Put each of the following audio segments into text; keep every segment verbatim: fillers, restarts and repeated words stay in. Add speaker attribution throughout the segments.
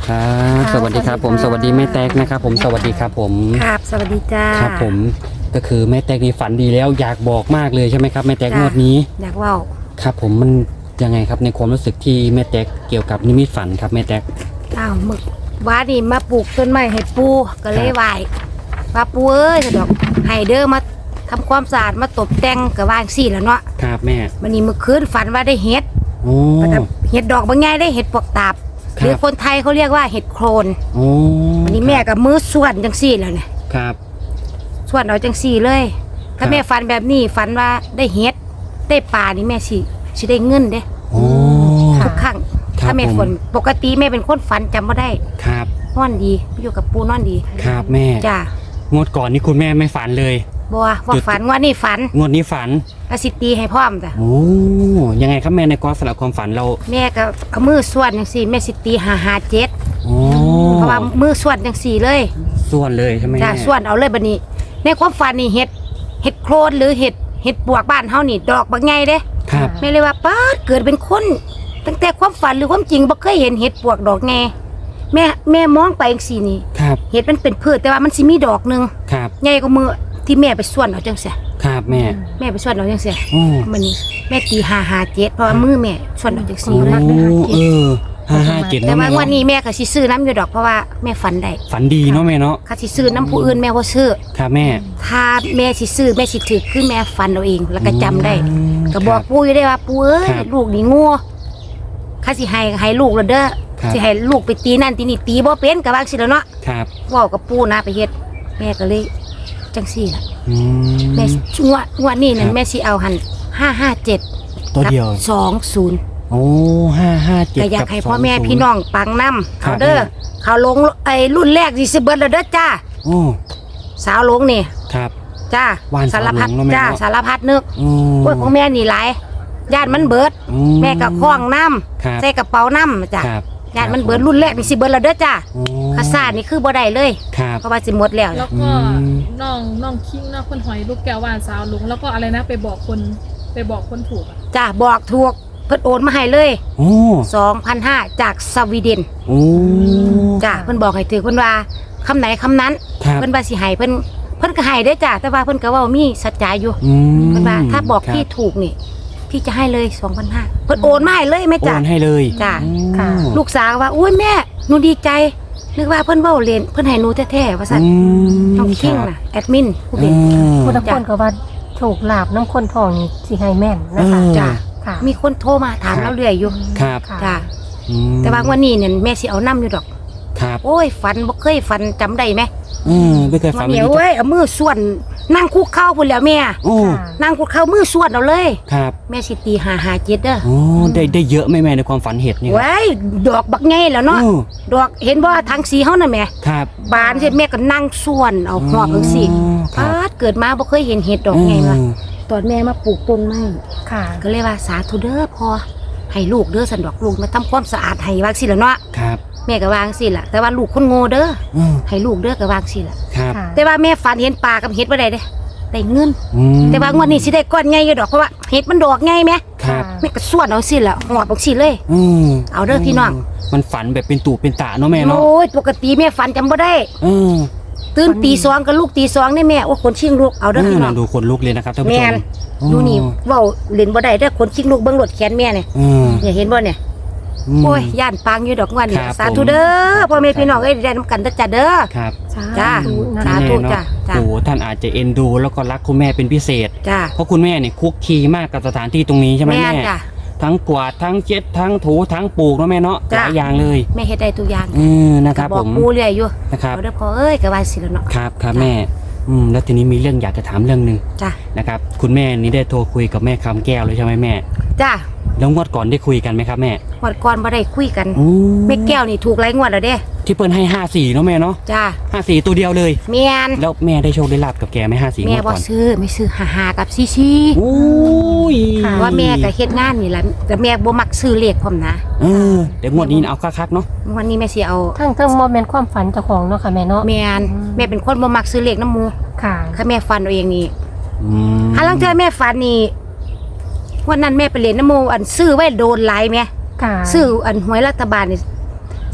Speaker 1: ครับสวัสดีครับผมสวัสดีแม่แตกนะครับผมสวัสดีครับผม
Speaker 2: ครับสวัสดีจ้า
Speaker 1: ครับผมก็คือแม่แตกนี่ฝันดีแล้วอยากบอกมากเลยใช่ไหมครับแม่แตกงวดนี้
Speaker 2: อยากว่า
Speaker 1: ครับผมมันยังไงครับในความรู้สึกที่แม่แตกเกี่ยวกับนิมิตฝันครับแม่แตก
Speaker 2: อ้าวมึกว่านี่มาปลูกต้นไม้ให้ปูก็เลยไหวว่าปูเอ้ยสะดอกไฮเดอร์มาทำความสะอาดมาตบแต่งกับว่างสี่แล้วเนาะ
Speaker 1: ครับแม่
Speaker 2: วันนี้เมื่อคืนฝันว่าได้เห็ด
Speaker 1: โอ้
Speaker 2: เห็ดดอกบางไงได้เห็ดปวกตาบหรือคนไทยเขาเรียกว่าเห็ดโครน
Speaker 1: โอ้
Speaker 2: วันนี้แม่กับมือส่วนจังสี่แล้วเนี่ย
Speaker 1: ครับ
Speaker 2: ส่วนเอาจังสี่เลยถ้าแม่ฝันแบบนี้ฝันว่าได้เห็ดได้ปลานี่แม่สิสิได้เงินเด้ทุกครั้งถ้าแม่ฝนปกติแม่เป็นคนฝันจำไม่ได้
Speaker 1: ครับ
Speaker 2: นอนดีอยู่กับปูนอนดี
Speaker 1: ครับแม่
Speaker 2: จ้าง
Speaker 1: วดก่อนนี่คุณแม่ไม่ฝันเลย
Speaker 2: บัวว่าฝันงวดนี้ฝัน
Speaker 1: งวดนี้ฝัน
Speaker 2: ก็สิตีให้พร้อมจ้ะ
Speaker 1: โอ้ยังไงครับแม่ในกรอบสำหรับความฝันเรา
Speaker 2: แม่ก็เอามือส่วนอย่างสี่แม่สิตีหาหาเจ็ด
Speaker 1: โอ้
Speaker 2: เพราะว่ามือส่วนอย่างสี่เลย
Speaker 1: ส่วนเลยใช่ไหม
Speaker 2: จ้ะส่วนเอาเลยบัดนี้ในความฝันนี่เห็ดเห็ดโครนหรือเห็ดเห็ดปวกบ้านเฮานี่ดอกบางไงเด้
Speaker 1: ครับ
Speaker 2: แม่เลยว่าป้าเกิดเป็นคนตั้งแต่ความฝันหรือความจริงบ่เคยเห็นเห็ดปวกดอกไงแม่แม่มองไปอย่างสี่นี่เห็ดมันเป็นพืชแต่ว่ามันสิมีดอกนึง
Speaker 1: ครับ
Speaker 2: ใหญ่กว่ามือที่แม่ไปส่วนเอาจังซี่
Speaker 1: ครับแม่
Speaker 2: แม่ไปส่วนเอาจังซี่
Speaker 1: โอ้
Speaker 2: มันนี่แม่ตีห้าห้าเจ็ดเพราะว่ามือแม่ส่วนเอาจังซี่
Speaker 1: เลยเออห้าห้าเจ็ด
Speaker 2: แต่ว่าวันนี้แม่ก็สิซื้อน้ำอยู่ดอกเพราะว่าแม่ฝันได้
Speaker 1: ฝันดีเนาะแม่เนาะ
Speaker 2: ค่ะสิซื้อน้ำผู้อื่นแม่บ่ซื้อ
Speaker 1: ครับแม่
Speaker 2: ถ้าแม่สิซื้อแม่สิถือคือแม่ฝันเอาเองแล้วก็จำได้ก็บอกปู่อยู่ได้ว่าปู่เอ้ยลูกนี่โง่ข้าสิให้ให้ลูกแล้วเด้อสิให้ลูกไปตีนั่นตีนี่ตีบ่เป็นก็ว่าสิแล้วเนาะ
Speaker 1: ครับ
Speaker 2: เว้ากับปู่นะไปเฮ็ดแม่ก็เลยจังซี่ล่ะแม่งวดงวดนี้นั่นแม่สิเอาหั่นห้าห้าเจ็ด
Speaker 1: ตัวเดียว
Speaker 2: สองศูนย์
Speaker 1: โอ้ห้าห้าเจ็ด
Speaker 2: ก็อยากให้พ่อแม่พี่น้องปังน้ำเอาเด้อเขาลงไอ้รุ่นแรกสิสิเบิดแล้วเด้อจ้า
Speaker 1: โอ้
Speaker 2: สาวลงนี่
Speaker 1: ครับ
Speaker 2: จ้าสารพัดจ้าสารพัดนึกพวกของแม่นี่หลายญาติมันเบิดแม่กับคล้องน้ำใส่กระเป๋าน้ำจ้าญาติมันเบิดรุ่นแรกนี่สิเบิดแล้วเด้อจ้าข้าซ่านี่คือบ่ได้เลยเพราะว่าสิหมดแล้ว
Speaker 3: แล้วก็น้องน้องคิงน้องคนหอยลูกแก้ววานสาวลุงแล้วก็อะไรนะไปบอกคนไปบอกคนถูก
Speaker 2: จ้าบอกถูกเพิ่นโอนมาให้เลย
Speaker 1: โอ้
Speaker 2: สองพันห้าจากสวีเดน
Speaker 1: โอ้
Speaker 2: จ้าเพิ่นบอกให้ถือเพิ่นว่าคำไหนคำนั้นเพิ่นว่าสิให้เพิ่นเพิ่นก็ให้ได้จ้าแต่ว่าเพิ่นก็ว่ามีสัจจะอยู่เพิ่นว่าถ้าบอกพี่ถูกนี่พี่จะให้เลยสองพันห้าเพิ่นโอนมาให้เลยแม่จ้า
Speaker 1: โอนให้เลย
Speaker 2: จ้าลูกสาวว่าอุ้ยแม่หนูดีใจนึกว่าเพิ่นเว้าเล่นเพิ่นให้หนูแท้ๆว่าซั่นน้องคิงน่ะแอดมินผู้เป็น
Speaker 4: ผู้ทุกคนก็ว่าโชคลาภน้ำคนทองนี่สิให้แม่นนะคะ
Speaker 2: จ้ามีคนโทรมาถามเราเรื่อยอยู่
Speaker 1: ครับ
Speaker 2: จ้าแต่ว่าวันนี้เนี่ยแม่สิเอาน้ำอยู่ดอก
Speaker 1: ครับ
Speaker 2: โอ้ยฝันบ่เคยฝันจำได้ไหม
Speaker 1: อืมไม่เคยฝัน
Speaker 2: เดี๋ยวเว้ยเอามือส่วนนั่งคุกเข่าพุ่นแล้วแม่
Speaker 1: โอ้
Speaker 2: นั่งคุกเข่ามือส่วนเอาเลย
Speaker 1: ครับ
Speaker 2: แม่สิตีหาหาเจ็ดเด้อ
Speaker 1: โอ้ได้ได้เยอะไหมแม่ในความฝันเห็ดนี่
Speaker 2: เว้ยดอกบักไงแล้วเนาะดอกเห็นบ่ทางสีเฮานั่นแม่
Speaker 1: ครับ
Speaker 2: บานเสร็จแม่ก็นั่งส่วนเอาหอบจังซี่ปาดเกิดมาบ่เคยเห็นเห็ดดอกไงวะตอนแม่มาปลูกต้นไม้
Speaker 4: ค่ะ
Speaker 2: ก็เลยว่าสาธุเด้อพอให้ลูกเด้อสันดอกลูกมาทำความสะอาดให้วางสิละเนาะ
Speaker 1: ครับ
Speaker 2: แม่ก็วางสิละแต่ว่าลูกคนโง่เด้อให้ลูกเด้อก็วางสิละ
Speaker 1: ครับ
Speaker 2: แต่ว่าแม่ฝันเห็นปลากับเห็ดบ่ได้เด้ได้เงินแต่ว่างวดนี้สิได้ก้อนใหญ่อยู่ดอกเพราะว่าเห็ดมันดอกใหญ่แม่
Speaker 1: ครับ
Speaker 2: แม่ก็ส่วนเอาสิละหอบเอาสิเลยเอาเด้อพี่น้อง
Speaker 1: มันฝันแบบเป็นตู่เป็นตาเนาะแม่เนาะ
Speaker 2: โอ้ยปกติแม่ฝันจำบ่ได้ตื่นตีสองกับลูกตีสองนี่แม่โอ้คนชิงลูกเอาเด้อพี่น้อง
Speaker 1: ดูคนลูกเลยนะครับท่านผู้ชม
Speaker 2: ดูนี่เว้าเล่นบ่ได้เด้อคนชิงลูกเบิ่งรถแขนแม่เนี่ยเนี่ยเห็นบ่เนี่ยโอ้ยย่านปังอยู่ดอกงวดนี่สาธุเด้อพ่อแม่พี่น้องเอ้ยได้นำกันเด้อจ้าเด้อ
Speaker 1: ครับ
Speaker 2: จ้าสาธุจ้า
Speaker 1: โอ้ท่านอาจจะเอ็นดูแล้วก็รักคุณแม่เป็นพิเศษ
Speaker 2: จ้า
Speaker 1: เพราะคุณแม่เนี่ยคุกคีมากกับสถานที่ตรงนี้ใช่ไหมแม่ทั้งกวาดทั้งเช็ดทั้งถูทั้งปลูกเนาะแม่เนาะหลายอย่างเลย
Speaker 2: แม่เฮ็ดได้ทุกอย่าง
Speaker 1: อืมนะครับผม
Speaker 2: บอกปูเรื่อยอยู่
Speaker 1: นะครับ
Speaker 2: เด้อพ่อเอ้ยก็ว่าสิแล้วเนาะ
Speaker 1: ครับครับแม่อืมแล้วทีนี้มีเรื่องอยากจะถามเรื่องนึง
Speaker 2: จ้า
Speaker 1: นะครับคุณแม่นี่ได้โทรคุยกับแม่คำแก้วเลยใช่ไหมแม่
Speaker 2: จ้า
Speaker 1: แล้วงวดก่อนได้คุยกันไหมครับแม่
Speaker 2: งวดก่อนบ่ได้คุยกันแม่แก้วนี่ถูกหลายงวดแล้วเด้
Speaker 1: ที่เปิ้ลให้ห้าสี่เนาะแม่เนาะ
Speaker 2: จ้า
Speaker 1: ห้าสี่ตัวเดียวเลย
Speaker 2: แม่น
Speaker 1: แล้วแม่ได้โชคได้ลาบกับแกไหมห้าสี่
Speaker 2: แม่บ่ซื้อไม่ซื้อห้ากับซี่ซี่
Speaker 1: โอ้ย
Speaker 2: ว่าแม่ก็เฮ็ดงานนี่แหละแต่แม่บ่มักซื้อเลขพร้อมนะ
Speaker 1: เออเดี๋ยวงวดนี้เอาคักๆเนาะ
Speaker 2: งวดนี้แม่สิเอา
Speaker 4: ทั้งทั้งโมเมนต์ความฝันเจ้าของเนาะค่ะแม่เนาะ
Speaker 2: แม่นแม่เป็นคนบ่มักซื้อเลขน้ำหมู่
Speaker 4: ค่ะ
Speaker 2: ถ้าแม่ฝันเอาเองนี่
Speaker 1: อืม
Speaker 2: ถ้าลังเทื่อแม่ฝันนี่วันนั้นแม่ไปเล่นน้ำหมู่อันซื้อไว้โดนหลายแม่ซื้ออันหวยรัฐบาลนี่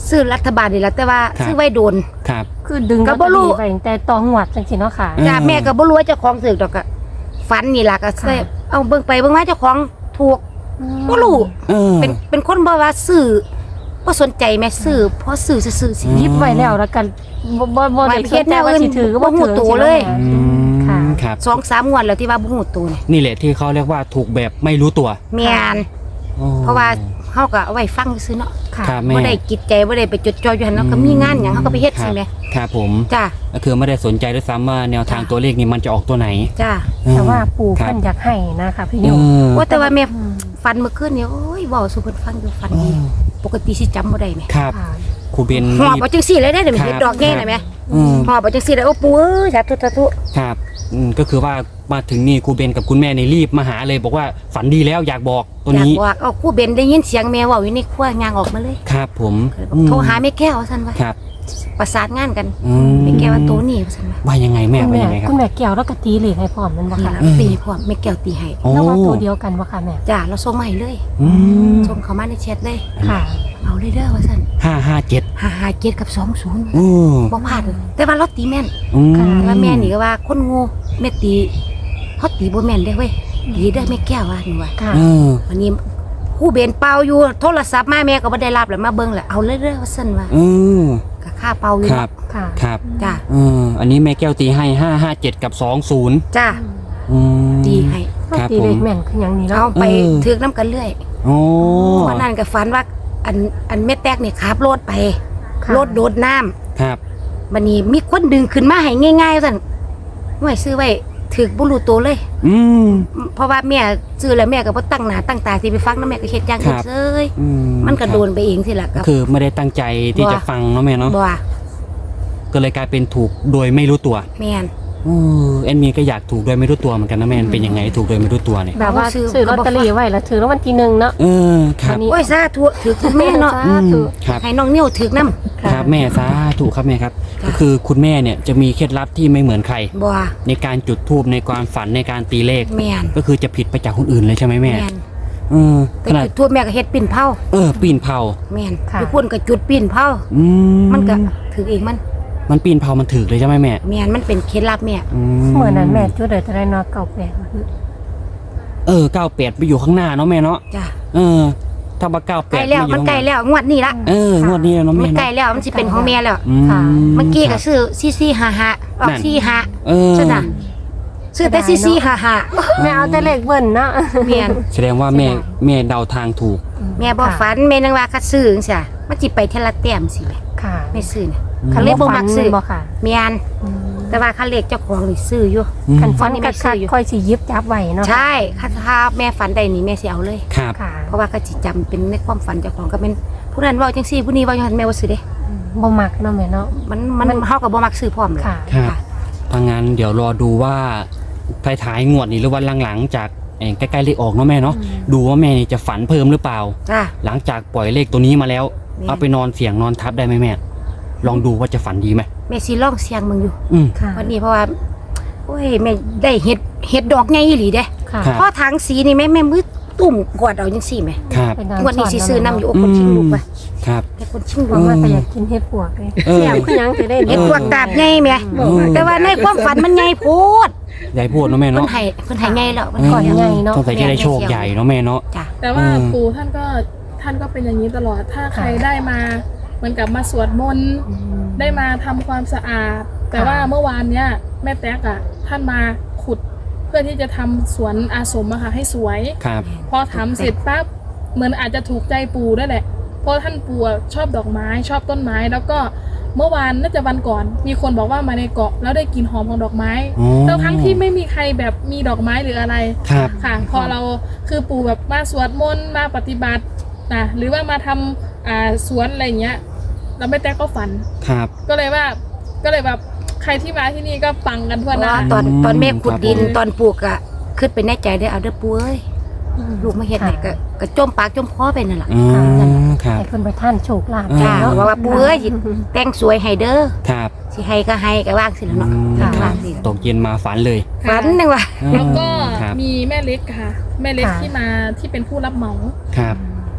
Speaker 2: ซื้อรัฐบาลนี่แหละแต่ว่า
Speaker 1: ครับ
Speaker 2: ซื้อไว้โดน
Speaker 1: ครับ
Speaker 4: คือดึง
Speaker 2: ก็
Speaker 4: ลอต
Speaker 2: บ่
Speaker 4: เตอ
Speaker 2: รู้
Speaker 4: รี่ไปตั้งแต่ตองหวัดจังซี่เนาะค่ะ
Speaker 1: อืม
Speaker 2: จ้าแม่ก็บ่รู้ว่าเจ้าของซื้อดอกก็ฝันนี่ล่ะก็ใส่
Speaker 4: ค่ะ
Speaker 2: เอาเบิ่งไปเบิ่งมาเจ้าของถูกบ่รู้
Speaker 1: เออ
Speaker 2: เป็นเป็นคนบ่ว่าซื้อบ่สนใจแม่ซื้อเพราะซื้อซื่อๆสิ
Speaker 1: อืม
Speaker 4: ยิบไว้แล้วแล้วกันบ่บ่บ่ได้
Speaker 2: ไว้
Speaker 4: คิดแต่ว่าสิถือก็บ่
Speaker 2: บ่ฮู้
Speaker 4: ถือ
Speaker 2: ตัวเลย
Speaker 1: อืม
Speaker 4: ค่ะ
Speaker 1: ครับ
Speaker 2: สองสามงวดแล้วที่ว่าบ่ฮู้ตัวนี่
Speaker 1: นี่แหละที่เขาเรียกว่าถูกแบบไม่รู้ตัว
Speaker 2: แม่น
Speaker 1: อ๋อ
Speaker 2: เพราะว่าเฮาก็เอาไว้ฟังซื่อเนาะ
Speaker 4: ค่ะ
Speaker 1: ครับแม่
Speaker 2: บ่ได้กิจใจบ่ได้ไปจดจ่ออยู่หั่นเนาะก็มีงานหยังเฮาก็ไปเฮ็ด
Speaker 1: ครั
Speaker 2: สิ
Speaker 1: บ
Speaker 2: แม่
Speaker 1: ครับผม
Speaker 2: จ้า
Speaker 1: ก็คือไม่ได้สนใจด้วยซ้ำว่าแนวทาง
Speaker 2: จ้ะ
Speaker 1: ตัวเลขนี้มันจะออกตัวไหน
Speaker 2: จ้า
Speaker 4: แต่ว่าปู่
Speaker 1: ครับ
Speaker 4: เพิ่นอยากให้นะคะพี่
Speaker 1: เอ
Speaker 4: นิว
Speaker 1: อ
Speaker 2: โอ้แต่ว่าแม่
Speaker 4: อืม
Speaker 2: ฝันเมื่อคืนนี่โอ้ยเว้าสู่เพิ่นฟังอยู่ฝันดีปกติสิจำบ่ได้แม่
Speaker 1: ครับ
Speaker 4: ค่ะ
Speaker 1: ครูเบน
Speaker 2: หอบ
Speaker 1: รีบ
Speaker 2: เอาจังซี่เลยได้เดี๋ยว
Speaker 1: ครับ
Speaker 2: เฮ็ดดอกแง่น่ะแม่
Speaker 1: อืม
Speaker 2: หอบเอาจังซี่เลยโอ้ปู่เอ้ยสาธุสาธุ
Speaker 1: ครับอืมก็คือว่ามาถึงนี่ครูเบนกับคุณแม่ในรีบมาหาเลย บอกว่าฝันดีแล้วอยากบอกตัว
Speaker 2: อยาก
Speaker 1: นี้
Speaker 2: บอกเอาครู่เบนได้ยินเสียงแม่เว้าอยู่ในครัวยางออกมาเลย
Speaker 1: ครับผม
Speaker 2: ก็เลยบอกโทรหาแม่แก้วว่าซั่นว่า
Speaker 1: ครับ
Speaker 2: ประสานงานกัน
Speaker 1: อืม
Speaker 2: แม่แก้วว่าโตนี่ว่าซั่นว่า
Speaker 1: ว่ายังไงแม่
Speaker 4: คุณ
Speaker 1: ว่า
Speaker 4: แม่
Speaker 1: ยังไงครับ
Speaker 4: คุณแม่แก้วแล้วก็ตีเหล็กให้พร้อมแมันบ่
Speaker 2: นี่
Speaker 4: ค่ะ
Speaker 2: ล่ะ
Speaker 1: อืม
Speaker 2: ตีพร้อมแม่แก้วตีให้
Speaker 1: โอ้
Speaker 4: แล้วว่าตัวเดียวกันบ่ค่ะแม่
Speaker 2: จ้าเราส่งมาให้เลย
Speaker 1: อืม
Speaker 2: ส่งเข้ามาในแชทเลย
Speaker 4: ค่ะ
Speaker 2: เอาเลยเด้อว่าซั่น
Speaker 1: ห้าห้าเจ็ด
Speaker 2: ห้าห้าเจ็ดกับสองศูนย์
Speaker 1: อืม
Speaker 2: บ่พลาดเลยแต่ว่าเราตีแม่น
Speaker 1: อืม
Speaker 4: ค่ะ
Speaker 2: แต่ว่าแม่นี่ก็ว่าคนโงูแม่ตีเฮาตีบ่แม่นเด้เว้ยตีเด้อแม่แก้วว่าหนูว่า
Speaker 4: ค่ะ
Speaker 1: เออ
Speaker 2: วันนี้ครู่เบนเป่าอยู่โทรศัพท์มาแม่ก็บ่ได้รับแล้วมาเบิ่งแหละเอาเลยเด้อว่าซั่นว่า
Speaker 1: อืม
Speaker 2: ก็ค่าเป่าอยู่
Speaker 1: ครับ
Speaker 4: ค่ะ
Speaker 1: ครับ
Speaker 2: จ้า
Speaker 1: เอออันนี้แม่แก้วตีให้ห้าห้าเจ็ดกับสองศูนย์
Speaker 2: จ้า
Speaker 1: อืม
Speaker 2: ตีให้
Speaker 1: ครับ
Speaker 4: ตี
Speaker 1: ผ
Speaker 4: เหล็
Speaker 1: ม
Speaker 4: กแม่นคือหยังนี่
Speaker 2: เอา
Speaker 4: เนาะ
Speaker 2: ไป
Speaker 1: เออ
Speaker 2: ถือน้ำกันเรื่อย
Speaker 1: โอ้
Speaker 2: วันนั้นก็ฝันว่าอันอันแม่แตกนี่ขับรถไป
Speaker 4: ค่ะ
Speaker 2: รถโดดน้ำ
Speaker 1: ครับ
Speaker 2: บัดนี้มีคนดึงขึ้นมาให้ง่ายๆสั่นไว้ซื้อไว้ถือบ่รู้ตัวเลย
Speaker 1: อืม
Speaker 2: เพราะว่าแม่ซื้อแล้วแม่ก็บ่ตั้งหน้าตั้งตาสิไปฟังนำแม่ก็เฮ็ดอย่างอื่น
Speaker 1: ครับ
Speaker 2: เซย
Speaker 1: อื
Speaker 2: มันก็
Speaker 1: ครับ
Speaker 2: โดนไปเองสิล่ะ
Speaker 1: ก็
Speaker 2: กับ
Speaker 1: คือไม่ได้ตั้งใจที่
Speaker 2: บ่
Speaker 1: จะฟังเนาะแม่เนาะ
Speaker 2: บ่ว่า
Speaker 1: ก็เลยกลายเป็นถูกโดยไม่รู้ตัว
Speaker 2: แม่น
Speaker 1: เออแอนมีก็อยากถูกโดยไม่รู้ตัวเหมือนกันนะแม่เป็นยังไงถูกโดยไม่รู้ตัวเนี่ย
Speaker 4: แบบว่า
Speaker 2: ซื้อ
Speaker 4: ซื้อลอตเตอรี่ไว้แล้วถือรางวัลที่หนึ่งเนาะ
Speaker 1: เออครับ
Speaker 4: วันนี้
Speaker 2: โอ้ยสาธุถือคุณแม่เนาะ
Speaker 4: สาธุ
Speaker 1: ครับ
Speaker 2: ให้น้องนิ้วถือนำ
Speaker 1: ครับแม่สาธุครับแม่ครับ
Speaker 2: จ้ะ
Speaker 1: ก็คือคุณแม่เนี่ยจะมีเคล็ดลับที่ไม่เหมือนใคร
Speaker 2: บ่ว่า
Speaker 1: ในการจุดธูปในความฝันในการตีเลข
Speaker 2: แม่น
Speaker 1: ก็คือจะผิดไปจากคนอื่นเลยใช่ไหมแม่
Speaker 2: แม่น
Speaker 1: เออ
Speaker 2: แต่
Speaker 1: ขนาด
Speaker 2: จุดทั่วแม่ก็เฮ็ดปิ้นเผา
Speaker 1: เออปีนเผา
Speaker 2: แม่น
Speaker 4: ค่ะ
Speaker 2: อยู่พุ่นก็จุดปิ้นเผา
Speaker 1: อื
Speaker 2: มันก็ถือเองมัน
Speaker 1: มันปีนเผามันถึกเลยใช่ไหมแม่
Speaker 2: แม่นมันเป็นเคล็ดลับแม่
Speaker 1: อื
Speaker 4: เมื่อนั้นแม่จุดเดือดอะไรเนาะเก่าแปด
Speaker 1: เออเก้าแปดไปอยู่ข้างหน้าเนาะแม่เนาะ
Speaker 2: จ้ะ
Speaker 1: เออถ้าว่าเก้าแป
Speaker 2: ใกล้
Speaker 1: ด
Speaker 2: แล้วมันใกล้แล้วงวดนี้ละ
Speaker 1: เอองวดนี้แล้วเนาะ
Speaker 2: มั
Speaker 1: แม่
Speaker 2: นใกล้
Speaker 1: เนาะ
Speaker 2: แล้วมันสิเป็นของแม่แล้ว
Speaker 1: อื
Speaker 4: ค่ะ
Speaker 2: เมื่อกี้
Speaker 1: ค
Speaker 2: ก็
Speaker 1: รับ
Speaker 2: ซื้อซีซีห้าห้าออก
Speaker 1: นั่น
Speaker 2: ซีห้า
Speaker 1: เออ
Speaker 2: ใช่น่ะซื้อแต่ซีซีห้าห้า
Speaker 4: แม่เอาแต่เลขเบิ้ลเนาะ
Speaker 2: แม่น
Speaker 1: แสดงว่าแม่แม่เดาทางถูก
Speaker 2: แม่บ่ฝันแม่นึงว่าคัดซื้อจังซี่มันสิไปเทยละแต้มสิแม่
Speaker 4: ค่ะ
Speaker 2: ไม่ซื้อน่ะ
Speaker 1: อืม
Speaker 2: คันเลขบ่มักซื้อ
Speaker 4: บ่ค่ะ
Speaker 2: แม่นแต่ว่าคันเลขเจ้าของนี่ซื้ออยู่
Speaker 1: อืม
Speaker 4: คันฟัน
Speaker 2: นี่
Speaker 4: กั
Speaker 2: ไม่
Speaker 4: ด
Speaker 2: ซื้
Speaker 4: คั
Speaker 2: ออยู่
Speaker 4: ค่อยสิยิบจับไว้เนาะ
Speaker 2: ใช่คันถ้าแม่ฝันได้นี่แม่สิเอาเลย
Speaker 1: ครับ
Speaker 4: ค่ะ
Speaker 2: เพราะว่าเขาสิจำเป็นในความฝันเจ้าของก็เป็นผู้นั้นเว้าจังซี่ผู้นี้เว้าจังซั่นแม่บ่ซื้อเด้
Speaker 4: บ่มักเนาะแม่เนาะ
Speaker 2: มันมันเฮาก็บ่มักซื้อพร้อมเลย
Speaker 4: ค่ะ
Speaker 1: ครับถ้างั้นเดี๋ยวรอดูว่าท้ายๆงวดนี้หรือว่าหลังๆจากเอ่อใกล้ๆเลขออกเนาะแม่เนาะดูว่าแม่นี่จะฝันเพิ่มหรือเปล่า
Speaker 2: จ้า
Speaker 1: หลังจากปล่อยเลขตัวนี้มาแล้ว
Speaker 2: แม่
Speaker 1: เอาไปนอนเสียงนอนทับได้ไหมแม่ ลองดูว่าจะฝันดีไหม
Speaker 2: แม่สิลองเสียงมึงอยู่
Speaker 1: อืม
Speaker 4: ค่ะ
Speaker 2: วันนี้เพราะว่าโอ้ยแม่ได้เห็ดเห็ดดอกใหญ่อีหลีเด้
Speaker 4: ค่ะ
Speaker 1: ครับ
Speaker 2: พอทางสีนี่แม่แม่มือตุ่มกวาดเอาจังซี่แม่
Speaker 1: ครับ
Speaker 4: ไป
Speaker 2: งวดนี้สิซื้อน้ำอยู่
Speaker 4: เ
Speaker 2: โอ้คนชิงลูกไป
Speaker 1: ครับ
Speaker 2: แต่คนชิง
Speaker 4: พ
Speaker 2: ลู
Speaker 4: ราะ
Speaker 2: ก
Speaker 4: ว่าก็อยากกินเห็ดปวกเลย
Speaker 1: เออ
Speaker 4: เสียบคือหยังสิได้
Speaker 2: เห็ดพวกตาบใหญ่แม่
Speaker 1: เออ
Speaker 2: แต่ว่าในความฝันมันใหญ่โพด
Speaker 1: ใหญ่พูดเนาะแม่
Speaker 2: เพิ่น
Speaker 1: เนาะ
Speaker 2: ให้เพิ่นให้ใหญ่แล้วมัน
Speaker 1: เออ
Speaker 2: ก่อนใหญ่
Speaker 4: เนาะ
Speaker 1: สงสัยจะได้โชคใหญ่เนาะแม่เนาะ
Speaker 2: จ้ะ
Speaker 3: แต่ว่า
Speaker 1: อืม
Speaker 3: ปู่ท่านก็ท่านก็เป็นอย่างนี้ตลอด ถ้าใครได้มาเหมือนกับมาสวดมนต์ได้มาทำความสะอาด แต่ว่าเมื่อวานเนี้ยแม่แต๊กอ่ะท่านมาขุดเพื่อที่จะทำสวนอาสมอะค่ะให้สวย
Speaker 1: ครับ
Speaker 3: พอทำเสร็จปั๊บเหมือนอาจจะถูกใจปู่ด้วยแหละ เพราะท่านปู่อะชอบดอกไม้ชอบต้นไม้ แล้วก็เมื่อวานน่าจะวันก่อน มีคนบอกว่ามาในเกาะแล้วได้กลิ่นหอมของดอกไม้
Speaker 1: อ๋อ
Speaker 3: ทั้งทั้งที่ไม่มีใครแบบมีดอกไม้หรืออะไร
Speaker 1: ครับ
Speaker 3: ค่ะ พอเราคือปู่แบบมาสวดมนต์มาปฏิบัตินะหรือว่ามาทำอ่าสวนอะไรอย่างเงี้ยเราไม่แต้ก็ฝัน
Speaker 1: ครับ
Speaker 3: ก็เลยว่าก็เลยแบบใครที่มาที่นี่ก็ปังกันทั่วหน้า
Speaker 2: ว่าตอนตอนแม่ขุดดิน
Speaker 1: ครับผม
Speaker 2: ตอนปลูกอะขึ้นไปในใจได้อเอาเด้อปู่เอ้ยลูกมาเฮ็ดให้ก็ก็จมปากจมคอไปนั่นล่ะ
Speaker 1: อืมครับ
Speaker 4: ให้เพิ่นไปท่านโชคลาภ
Speaker 2: จ้า
Speaker 4: เนาะ
Speaker 2: ว่าว่าปู่เอ้ยสิแต่งสวยให้เด้อ
Speaker 1: ครับ
Speaker 2: สิให้ก็ให้ก็ว่างสิล่ะเนาะ
Speaker 1: อืม
Speaker 2: ค่ะ
Speaker 1: ครั
Speaker 2: ว่า
Speaker 1: บ
Speaker 2: งสิ
Speaker 1: ตกเย็นมาฝันเลย
Speaker 2: ฝันนึงว่า
Speaker 3: แล้วก็
Speaker 1: ครับ
Speaker 3: มีแม่เล็กค่ะ แม่เล็ก
Speaker 4: ค่ะ
Speaker 3: ที่มาที่เป็นผู้รับเหมา
Speaker 1: ครับ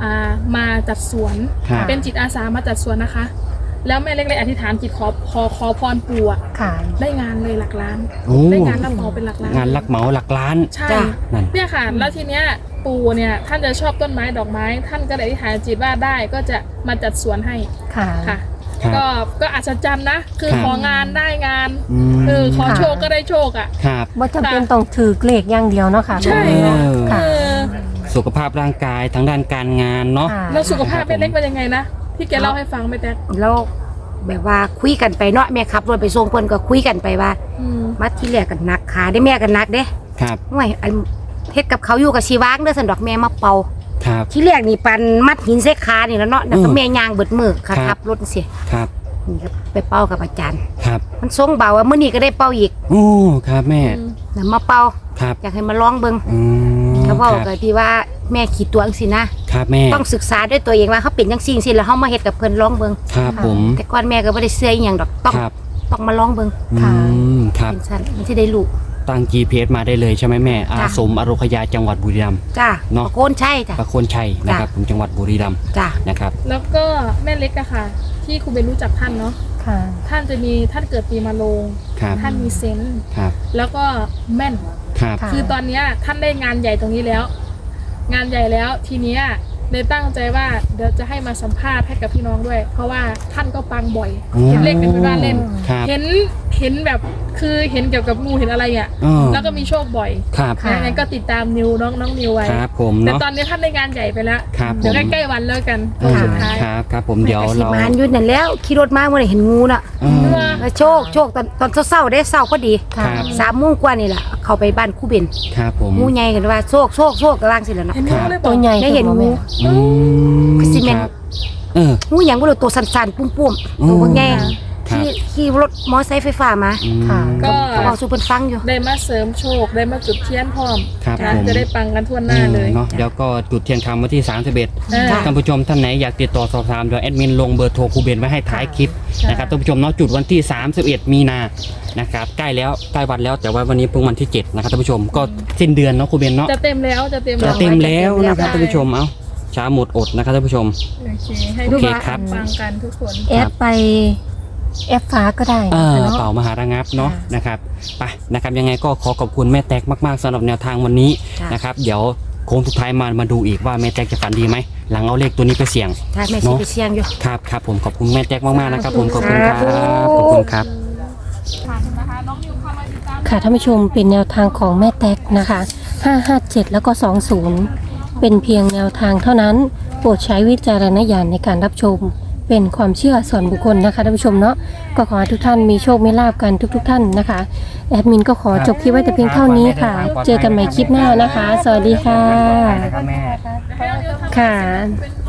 Speaker 3: อ่ามาจัดสวน
Speaker 1: ครับ
Speaker 3: เป็นจิตอาสามาจัดสวนนะคะ แล้วแม่เล็กเลยอธิษฐานจิตขอขอขอพรปู่อะ
Speaker 4: ค่ะ
Speaker 3: ได้งานเลยหลักล้าน
Speaker 1: โอ้
Speaker 3: ได้งานรับเหมาเป็นหลักล้าน
Speaker 1: งานลักเหมาหลักล้าน
Speaker 3: ใช่
Speaker 2: จ้ะ
Speaker 1: นั่น
Speaker 3: เนี่ยค่ะ แล้วทีเนี้ยปู่เนี่ยท่านจะชอบต้นไม้ดอกไม้ ท่านก็เลยอธิษฐานจิตว่าได้ก็จะมาจัดสวนให้
Speaker 4: ค่ะ
Speaker 3: ค่ะ
Speaker 1: ครับ
Speaker 3: ก็ก็อัศจรรย์นะ คือ
Speaker 1: ครับ
Speaker 3: ของานได้งาน
Speaker 1: อืม
Speaker 3: เออขอ
Speaker 4: ค่ะ
Speaker 3: โชคก็ได้โชคอ่ะ
Speaker 1: ครับ
Speaker 4: ว่าจำเป็นต้องถือเลขอย่างเดียวเนาะค่ะ
Speaker 3: ใช่
Speaker 1: เออ
Speaker 4: ค่ะ
Speaker 3: เออ
Speaker 1: สุขภาพร่างกายทั้งด้านการงานเนาะ
Speaker 4: ค่ะ
Speaker 3: แล้วสุขภาพแม่เล็กเป็นยังไงนะที่แกเล่าให้ฟังไหมแต๊ก
Speaker 2: แล้วแบบว่าคุยกันไปเนาะแม่ขับรถไปส่งเพิ่นก็คุยกันไปว่า
Speaker 3: อืม
Speaker 2: มาที่แรกกันหนักขาได้แม่กันหนักเด้
Speaker 1: ครับ
Speaker 2: ห่วยอันเฮ็ดกับเขาอยู่กับชีวางเด้อสันดอกแม่มาเป่า
Speaker 1: ครับ
Speaker 2: ที่แรกนี่ปันมัดหินใส่ขานี่แล้วเนาะแล้วก็
Speaker 1: อืม
Speaker 2: แม่ย่างเบิดมือค่ะ
Speaker 1: ครับ
Speaker 2: ขับรถเสีย
Speaker 1: ครับ
Speaker 2: นี่ก็ไปเป่ากับอาจารย์
Speaker 1: ครับ
Speaker 2: มันทรงเบาว่ามื้อนี้ก็ได้เป่าอีก
Speaker 1: โอ้ครับแม่
Speaker 2: แล้วมาเป่า
Speaker 1: ครับ
Speaker 2: อยากให้มาลองเบิ่ง
Speaker 1: อืม
Speaker 2: เขา
Speaker 1: ค
Speaker 2: เว้า
Speaker 1: รับ
Speaker 2: ก็ที่ว่าแม่ขีดตัวจังซี่นะครับ
Speaker 1: แม่
Speaker 2: ต้องศึกษาด้วยตัวเองว่าเขาเป็นจังซี่จังซี่แล้วเฮามาเฮ็ดกับเพิ่นลองเบิ่ง
Speaker 1: ครับผม
Speaker 2: แต่ก่อนแม่ก็บ่ได้เชื่ออีหยังดอกต้อง
Speaker 1: ครับ
Speaker 2: ต้องมาลองเบิ่ง
Speaker 1: อืมครับ
Speaker 2: เป็นซั่นมันสิได้รู้
Speaker 1: ตั้ง จี พี เอส มาได้เลยใช่ไหมแม่ อา
Speaker 2: จ้ะ
Speaker 1: สมอโรคยาจังหวัดบุรีรัมย์
Speaker 2: จ้า
Speaker 1: เนาะ
Speaker 2: โกนใช่จ้ะ
Speaker 1: ประโคนชัยนะครับผมจังหวัดบุรีรัมย์
Speaker 2: จ้า
Speaker 1: นะครับ
Speaker 3: แล้วก็แม่เล็กอะค่ะ ที่ครูเบนรู้จักท่านเนาะ
Speaker 4: ค่ะ
Speaker 3: ท่านจะมีท่านเกิดปีมะโรง
Speaker 1: ครับ
Speaker 3: ท่านมีเซนส์
Speaker 1: ครับ
Speaker 3: แล้วก็แม่น
Speaker 1: ครับ
Speaker 4: ค่ะ
Speaker 3: คือตอนเนี้ยท่านได้งานใหญ่ตรงนี้แล้ว งานใหญ่แล้วทีเนี้ยเลยตั้งใจว่าเดี๋ยวจะให้มาสัมภาษณ์ให้กับพี่น้องด้วย เพราะว่าท่านก็ปังบ่อย
Speaker 1: โอ้
Speaker 3: เห็นเลขเป็นบ้านเล่น
Speaker 1: ครับ
Speaker 3: เห็นเห็นแบบคือเห็นเกี่ยวกับงูเห็นอะไรอ่ะ
Speaker 1: อ๋อ
Speaker 3: แล้วก็มีโชคบ่อย
Speaker 1: ครับ
Speaker 4: ค่ะ
Speaker 3: ยังไงก็ติดตามนิวน้องน้องนิวไว้
Speaker 1: ครับผม
Speaker 3: แต่
Speaker 1: เนาะ
Speaker 3: ตอนนี้ท่านได้งานใหญ่ไปแล้ว
Speaker 1: ครับผ
Speaker 3: เดี๋ยว
Speaker 1: ม
Speaker 3: ใกล้ๆวันแล้วกัน
Speaker 1: เอ
Speaker 3: วัน
Speaker 1: อ
Speaker 3: สุดท้าย
Speaker 1: ครับครับผมเดี๋ยว
Speaker 2: สิ
Speaker 1: เรา
Speaker 2: มานอยู่นั่นแล้วขี่รถมาเมื่อไหร่เห็นงูน่ะ
Speaker 1: เออ
Speaker 2: แล้วโชคโชคตอนตอนเช้าๆได้เช้าก็ดี
Speaker 1: ครับ
Speaker 2: สามโมงกว่านี่แหละเข้าไปบ้านคู่เบน
Speaker 1: ครับผม
Speaker 2: งูใหญ่กันว่าโชคโชคโชคกำลังสิแล้วเนาะ
Speaker 3: เห็นงูเลยบ
Speaker 4: ตั
Speaker 3: อ
Speaker 4: ว
Speaker 3: ก
Speaker 4: ใหญ่
Speaker 2: ได้เห็น
Speaker 4: ตัว
Speaker 2: งู
Speaker 4: แม่
Speaker 1: อืม
Speaker 2: ซีเมนต์
Speaker 1: ครับเออ
Speaker 2: งูหยังบ่รู้ตัวสั่นๆปุ้ม
Speaker 1: อื
Speaker 2: ๆ
Speaker 1: ม
Speaker 2: ตัวบ่ใหญ่
Speaker 1: ครับ
Speaker 2: ขี่ขี่รถมอไซค์ไฟฟ้ามา
Speaker 1: อืม
Speaker 4: ค่ะ
Speaker 3: ก็
Speaker 2: เขาบอกสู่เพิ่นฟังอยู่
Speaker 3: ได้มาเสริมโชคได้มาจุดเทียนพร้อม
Speaker 1: ครับ
Speaker 3: นะ
Speaker 1: ผม
Speaker 3: จะได้ปังกันทั่วหน้าเลย
Speaker 1: เนาะเดี๋ยวก็จุดเทียนคำวันที่สามสิบเอ็ด
Speaker 3: เออ
Speaker 1: ท่านผู้ชมท่านไหนอยากติดต่อสอบถามเดี๋ยวแอดมินลงเบอร์โทรครูเบนไว้ให้ท้ายคลิปนะครับท่านผู้ชมเนาะจุดวันที่สามสิบเอ็ดมีนานะครับใกล้แล้วใกล้วันแล้วแต่ว่าวันนี้เพิ่งวันที่เจ็ดนะครับท่านผู้ชมก็สิ้นเดือนเนาะครูเบนเนาะ
Speaker 3: จะเต็มแล้วจะเต็ม
Speaker 1: จะ
Speaker 3: แล้ว
Speaker 1: เต็มแล้วนะครับ
Speaker 3: ใช่
Speaker 1: ท่านผู้ชมเอ้าช้าหมดอดนะครับท่านผู้ชม
Speaker 3: โอเคให้
Speaker 1: โอ
Speaker 3: ทุก
Speaker 1: เค
Speaker 3: คน
Speaker 1: ครับ
Speaker 3: ปังกันทุกคน
Speaker 4: แอดไปแอดฟ้าก็ได้
Speaker 1: เอ
Speaker 4: นะ
Speaker 1: อ
Speaker 4: คะเนาะ
Speaker 1: เป่ามหาระงับเนาะ
Speaker 4: ค่ะ
Speaker 1: นะครับไปนะครับยังไงก็ขอขอบคุณแม่แตกมากๆสำหรับแนวทางวันนี้
Speaker 2: จ้ะ
Speaker 1: นะครับเดี๋ยวโค้งสุดท้ายมามาดูอีกว่าแม่แตกจะฝันดีไหมหลังเอาเลขตัวนี้ไปเสี่ยง
Speaker 2: ถ้าแม่สิไปเสี่ยงอยู่
Speaker 1: ครับครับผมขอบคุณแม่แตกมากๆนะครับผมขอบคุณครับ
Speaker 2: สาธุ
Speaker 1: ขอบคุณครับ
Speaker 3: ค่ะนะคะน้องนิวเข้ามาติดตาม
Speaker 4: ค่ะท่านผู้ชมเป็นแนวทางของแม่แตกนะคะห้าห้าเจ็ดแล้วก็สองศูนย์เป็นเพียงแนวทางเท่านั้น โปรดใช้วิจารณญาณในการรับชม เป็นความเชื่อส่วนบุคคลนะคะท่านผู้ชมเนาะก็ขอให้ทุกท่านมีโชคมีลาภกันทุกๆทท่านนะคะแอดมินก็ขอจบคลิปไว้แต่เพียงเท่านี้ค่ะ เจอกันใหม่คลิปหน้านะคะ สวัสดีค่ะ
Speaker 1: แม่
Speaker 3: ให้น้องนิวทำ
Speaker 4: ค่ะ
Speaker 3: เป็น